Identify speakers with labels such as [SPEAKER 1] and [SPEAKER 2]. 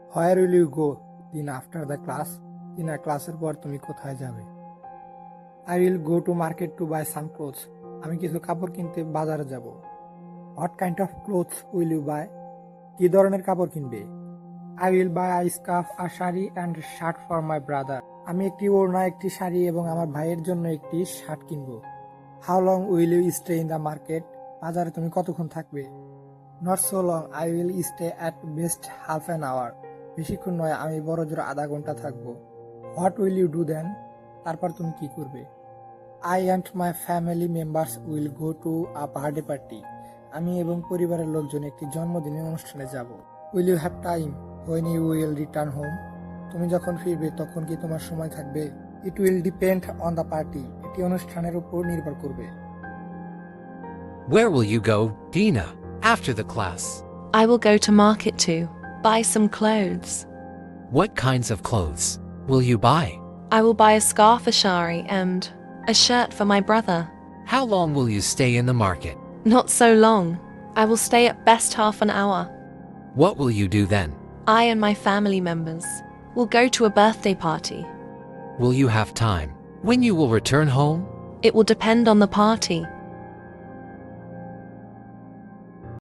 [SPEAKER 1] Where will you go দিন after the class? দিনা ক্লাসের পর তুমি কোথায় যাবে? I will go to market to buy some clothes. আমি কিছু কাপড় কিনতে বাজারে যাব। What kind of clothes will you buy? কি ধরনের কাপড় কিনবে? I will buy I scarf, a sari and shirt for my brother. আমি একটি ওড়না, একটি শাড়ি এবং আমার ভাইয়ের জন্য একটি শার্ট কিনবো। How long will you stay in the market? বাজারে তুমি কতক্ষণ থাকবে? Not so long, I will stay at best half an hour. বেশিক্ষণ নয়, আমি বড় জোর আধা ঘন্টা থাকবো। What will you do then? তারপর তুমি কি করবে? I and my family members will go to a birthday party. আমি এবং পরিবারের লোকজন একটি জন্মদিনের অনুষ্ঠানে যাব। Will you have time when you will return home? তুমি যখন ফিরবে তখন কি তোমার সময় থাকবে? It will depend on the party. এটি অনুষ্ঠানের উপর নির্ভর করবে।
[SPEAKER 2] Where will you go, Dina, after the class?
[SPEAKER 3] I will go to market to buy some clothes.
[SPEAKER 2] What kinds of clothes will you buy?
[SPEAKER 3] I will buy a scarf, a shari, and a shirt for my brother.
[SPEAKER 2] How long will you stay in the market?
[SPEAKER 3] Not so long. I will stay at best half an hour.
[SPEAKER 2] What will you do then?
[SPEAKER 3] I and my family members will go to a birthday party.
[SPEAKER 2] Will you have time when you will return home?
[SPEAKER 3] It will depend on the party.